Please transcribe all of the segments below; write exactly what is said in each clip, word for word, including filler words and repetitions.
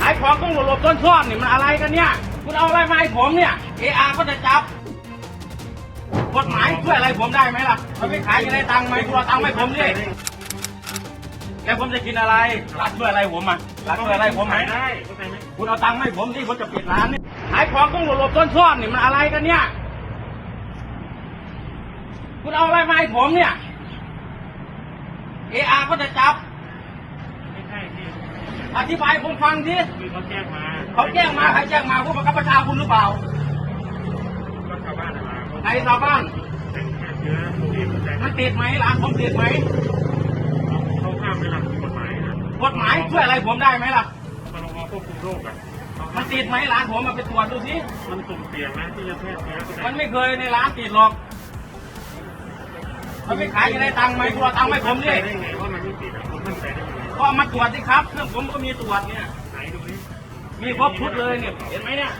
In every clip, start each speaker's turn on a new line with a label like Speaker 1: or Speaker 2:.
Speaker 1: ขายของต้องหลบๆต้นช่อนนี่มันอะไรกันเนี่ยคุณเอาอะไรมาให้ผมเนี่ยเออาก็จะจับกฎหมายช่วยอะไรผมได้ไหมล่ะมันไม่ขายจะได้ตังค์ไหมคุณเอาตังค์ให้ผมดิแล้วผมจะกินอะไรรัฐช่วยอะไรผมอ่ะรัฐช่วยอะไรผมไหมได้คุณเอาตังค์ให้ผมดิผมจะปิดร้านนี่ขายของต้องหลบๆต้นช่อนนี่มันอะไรกันเนี่ยคุณเอาอะไรมาให้ผมเนี่ยเออาก็จะจับไม่ใช่พี่อธิบายผมฟังทีคือเขาแจ้งมาเขาแจ้งมาใครแจ้งมาผู้บังคับบัญชาคุณหรือเปล่าก็ชาวบ้านมาใครชาวบ้านมันติดไหมร้านผมติดไหมเขาห้ามไม่รับกฎหมายนะกฎหมายช่วยอะไรผมได้ไหมล่ะมันลงมาควบคุมโรคอ่ะมันติดไหมร้านผมมาไปตรวจดูสิมันสุ่มเสี่ยงนะที่จะแพร่เชื้อมันไม่เคยในร้านติดหรอกมันไม่ขายจะได้ตังค์ไหมคุณเอาตังค์ให้ผมดิได้ไงว่ามันไม่ติดอ่ะผมมั่นใจได้ยังไงก็มาตรวจสิครับเครื่องผมก็มีตรวจเนี่ยไหนดูดิมีครบชุดเลยเนี่ยเห็นไหมเนี่ย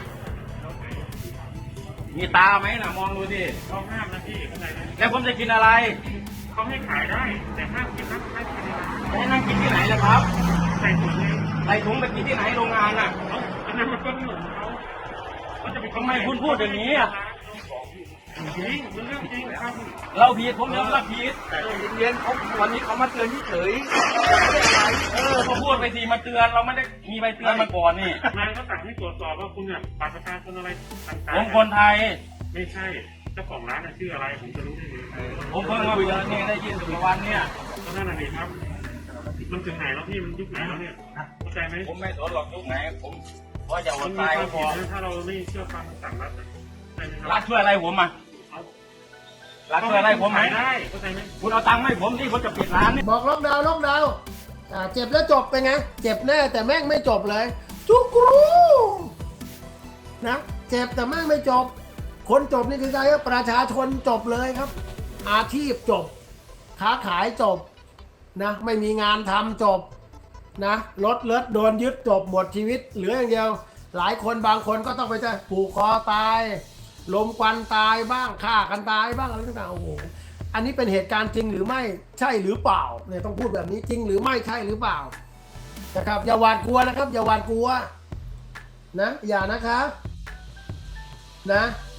Speaker 1: มีตาไหมนะมองดูดิเขาห้ามนะพี่เข้าใจไหมแล้วผมจะกินอะไรเขาให้ขายได้แต่ห้ามกินนะห้ามกินอะไรให้นั่งกินที่ไหนล่ะครับใส่ถุงเลยใส่ถุงไปกินที่ไหนโรงงานน่ะอันนั้นมันก็เหมือนเขาเขาจะไปทำไมคุณพูดอย่างนี้อ่ะจริงมันเรื่องจริงครับเราผิดผมยอมรับผิดแต่เรียนเขาวันนี้เขามาเตือนเฉยเออเขาพูดไปทีมาเตือนเราไม่ได้มีใบเตือนมาก่อนนี่นายก็สั่งให้ตรวจสอบว่าคุณเนี่ยบัตรประชาชนอะไรต่างๆผมคนไทยไม่ใช่เจ้าของร้านชื่ออะไรผมจะรู้ได้ยังไงผมเพิ่งมาเจอเนี่ยได้ยินถึงวันเนี่ยก็นั่นแหละครับมันถึงไหนแล้วพี่มันยุคไหนแล้วเนี่ยเข้าใจไหมผมไม่สนหรอกยุคไหนผมเพราะอย่าอดตายก็พอถ้าเราไม่เชื่อฟังสั่งรัฐรัฐช่วยอะไรผมอ่ะรัฐช่วยอะไรผมไหมได้เข้าใจไหมคุณเอาตังค์ให้ผมที่ผมจะปิดร้านนี่
Speaker 2: บอกล็อกดาวน์ล็อกดาวน์อ่าเจ็บแล้วจบไปไงเจ็บแน่แต่แม่งไม่จบเลยจุกรูนะเจ็บแต่แม่งไม่จบคนจบนี่คือใครครับประชาชนจบเลยครับอาชีพจบค้าขายจบนะไม่มีงานทำจบนะรถเลิศโดนยึดจบหมดชีวิตเหลืออย่างเดียวหลายคนบางคนก็ต้องไปจะผูกคอตายลมควันตายบ้างฆ่ากันตายบ้างอะไรต่างๆโอ้โหอันนี้เป็นเหตุการณ์จริงหรือไม่ใช่หรือเปล่าเนี่ยต้องพูดแบบนี้จริงหรือไม่ใช่หรือเปล่านะครับอย่าหวาดกลัวนะครับอย่าหวาดกลัวนะอย่านะครับนะ